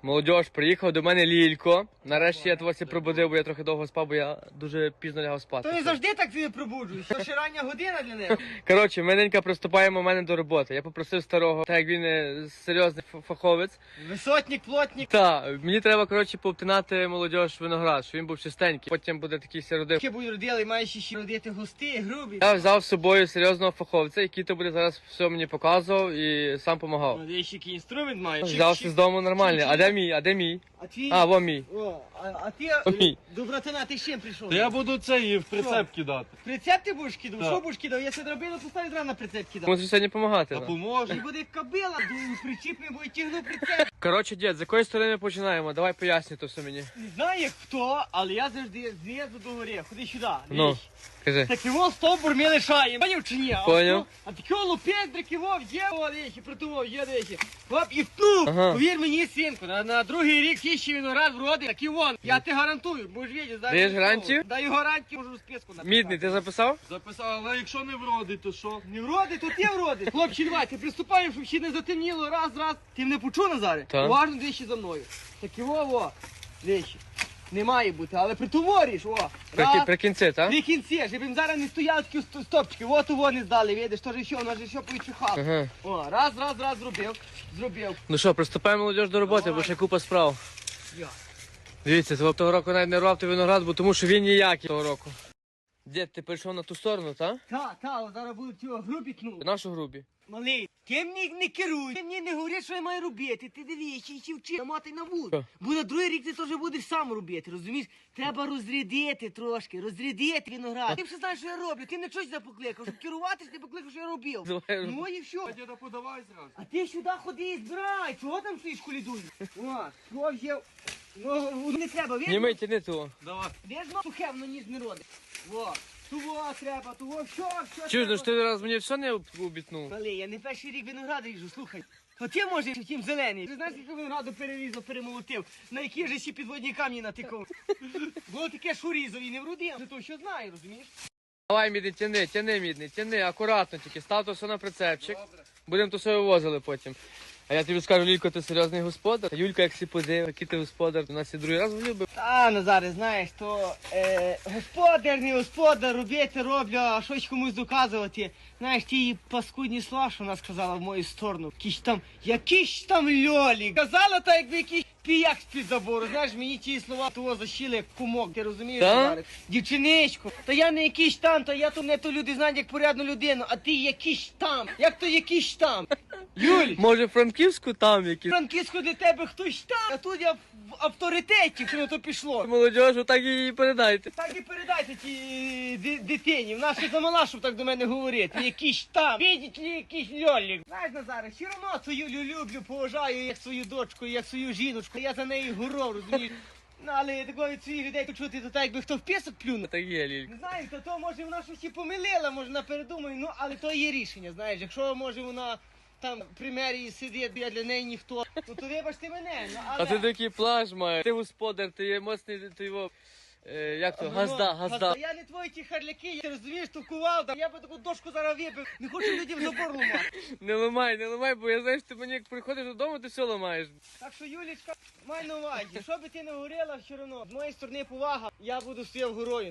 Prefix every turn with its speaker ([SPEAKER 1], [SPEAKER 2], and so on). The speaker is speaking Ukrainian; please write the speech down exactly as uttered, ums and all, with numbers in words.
[SPEAKER 1] Молодіж, приїхав до мене Лілько. Нарешті я твося пробудив, бо я трохи довго спав, бо я дуже пізно лягав спати.
[SPEAKER 2] То не завжди так ти пробуджуєш, то ще рання година для них.
[SPEAKER 1] Коротше, ми ненька приступаємо в мене до роботи. Я попросив старого, так як він е, серйозний ф- фаховець.
[SPEAKER 2] Висотник, плотник.
[SPEAKER 1] Та, мені треба, коротше, повтинати молодіж виноград, щоб він був чистенький. Потім буде такий сиродив.
[SPEAKER 2] Таке будуть родили, маєш ще родити густи, грубі.
[SPEAKER 1] Я взяв з собою серйозного фаховця, який то буде зараз все мені показував і сам допомагав.
[SPEAKER 2] Ну, ще який інструмент маєш.
[SPEAKER 1] Взявся з дому нормальний. А де мій? А де мій?
[SPEAKER 2] А твій...
[SPEAKER 1] А, во мій.
[SPEAKER 2] О, а, а ти,
[SPEAKER 1] Ой.
[SPEAKER 2] до братана, ти з чим прийшов?
[SPEAKER 3] Та я буду це і в прицеп кидати.
[SPEAKER 2] Прицеп ти будеш кидав?
[SPEAKER 3] Так.
[SPEAKER 2] Що будеш кидав? Я себе робила, то ставить рано прицеп кидав.
[SPEAKER 1] Мусиш сьогодні допомагати.
[SPEAKER 3] А
[SPEAKER 1] ну.
[SPEAKER 2] І
[SPEAKER 3] поможе.
[SPEAKER 2] буде кобила, ду- причіп не буде тягнув прицеп.
[SPEAKER 1] Коротше, дід, з якої сторони ми починаємо? Давай пояснюй то все мені.
[SPEAKER 2] Не знаю як хто, але я завжди знизу до гори. Ходи сюди.
[SPEAKER 1] Ну,
[SPEAKER 2] дивись.
[SPEAKER 1] кажи.
[SPEAKER 2] Так його стовбур ми лишаємо. Поняв чи ні? А
[SPEAKER 1] Поняв.
[SPEAKER 2] ото- А такого лупедрики вов є, о, речі, притував, є речі. Хоп, і втнув.
[SPEAKER 1] Ага.
[SPEAKER 2] Повір мені, синку, на, на другий рік ще виноград вроди, так і вон. Я ти гарантую, будеш видіти.
[SPEAKER 1] Даєш гарантію?
[SPEAKER 2] Даю гарантію, можу списку написати.
[SPEAKER 1] Мідний, ти записав?
[SPEAKER 3] Записав, але якщо не вродить, то що?
[SPEAKER 2] Не вроди, то ти вроди. Хлопці, давайте, приступаємо, щоб ще не затемніло. Раз, раз. Ти мене почув, Назаре?
[SPEAKER 1] Так.
[SPEAKER 2] Уважно двічі за мною. Так і во, во. Двічі. Не має бути, але притовориш, о.
[SPEAKER 1] При,
[SPEAKER 2] Раз.
[SPEAKER 1] при кінці, так?
[SPEAKER 2] При кінці, щоб їм зараз не стояли такі ст- стопчики. От у вони здали, видиш, то ж що, у нас же що повідчихало.
[SPEAKER 1] Ага.
[SPEAKER 2] О, раз, раз, раз зробив. Зробив.
[SPEAKER 1] Ну що, приступаємо молодіж до роботи,
[SPEAKER 2] Давай.
[SPEAKER 1] бо ще купа справ.
[SPEAKER 2] Я.
[SPEAKER 1] Дивіться, того того року навіть не рвав той виноград, бо тому що він ніякий того року. Дід, ти перейшов на ту сторону, так?
[SPEAKER 2] Та, та, зараз будуть цього грубі тну.
[SPEAKER 1] Нашу грубі.
[SPEAKER 2] Малий, ти мені не керуй, ти мені не говори, що я маю робити. Ти дивись, ще вчи, намотай на вуд.
[SPEAKER 1] Що?
[SPEAKER 2] Бо на другий рік ти теж будеш сам робити, розумієш? Треба розрядити трошки, розрядити виноград. Ти все знаєш, що я роблю, ти не щось покликав, щоб керуватись, ти покликав, що я робив.
[SPEAKER 1] Давай.
[SPEAKER 2] Ну і все.
[SPEAKER 3] А діда подавай зразу.
[SPEAKER 2] А ти сюди ходи і збирай, чого там стоїш колідуєш? О, що взяв? Ну, не треба, видно?
[SPEAKER 1] Німи, тяни того.
[SPEAKER 3] Давай.
[SPEAKER 2] Видно, сухе, воно ніж не родить. Во, того треба, того, що, що
[SPEAKER 1] Чуєш, ну
[SPEAKER 2] треба.
[SPEAKER 1] ж ти раз мені все не об- обітнув?
[SPEAKER 2] Але я не перший рік винограду ріжу, слухай. А ти, може, втім зелений. Ти знаєш, скільки винограду перерізав, перемолотив, на які ж ще підводні камні натикав. Було таке, що різав і не вродив. Це то, що знаю, розумієш?
[SPEAKER 1] Давай, мідний, тяни, тяни, мідний, тяни, акуратно тільки, став то все на прицепчик. Будемо то все вивозили потім. А я тобі скажу, Лілько, ти серйозний господар. А Юлька, як всі подив, який ти господар, у нас і другий раз влюбив.
[SPEAKER 2] Та, Назаре, знаєш, то е, господар, не господар, робити роблю, а щось комусь доказувати. Знаєш, ті її паскудні слова, що вона сказала в мою сторону. Якісь там, якісь там льолі. Казала так, якби якийсь піяк з-під забору. Знаєш, мені ті слова того защили як кумок, ти розумієш,
[SPEAKER 1] Та?
[SPEAKER 2] Назаре? Дівчиничко, та я не якийсь там, та я то не то люди знають як порядну людину, а ти якийсь там. Як то якийсь там? Юль,
[SPEAKER 1] Може, Франківську там якісь?
[SPEAKER 2] Франківську для тебе хтось там, а тут я в авторитеті, що на то пішло.
[SPEAKER 1] Молодіж, отак і передайте.
[SPEAKER 2] Так і передайте тій ди- дитині. Вона ще замала, щоб так до мене говорити. Якийсь там, видіть ли, якийсь льолік. Знаєш, Назаре, все одно свою Лю люблю, поважаю як свою дочку, як свою жіночку. Я за нею горов, розумієш. Ну, але такого від своїх людей почути, то так, якби хто в пісок плюнув.
[SPEAKER 1] Так є, Лілько.
[SPEAKER 2] Не знаю, то, то може вона щось і помилила, може вона передумає, ну, але то є рішення, знаєш. Якщо, може, вона там при мерії сидить, я для неї ніхто, ну, то вибачте мене, ну, але...
[SPEAKER 1] А ти такий плаж маєш. Ти господар, ти є моцний, ти його, е, як то,
[SPEAKER 2] Ну,
[SPEAKER 1] газда, газда.
[SPEAKER 2] Я не твої ті харляки, я розумієш, товкував, я би таку дошку зараз вибив, не хочу людям забор ламати.
[SPEAKER 1] Не ламай, не ламай, бо я знаю, що ти мені як приходиш додому, ти все ламаєш.
[SPEAKER 2] Так що, Юлічка, май на увазі, що би ти не говорила, все одно, з моєї сторони повага, я буду стояв горою.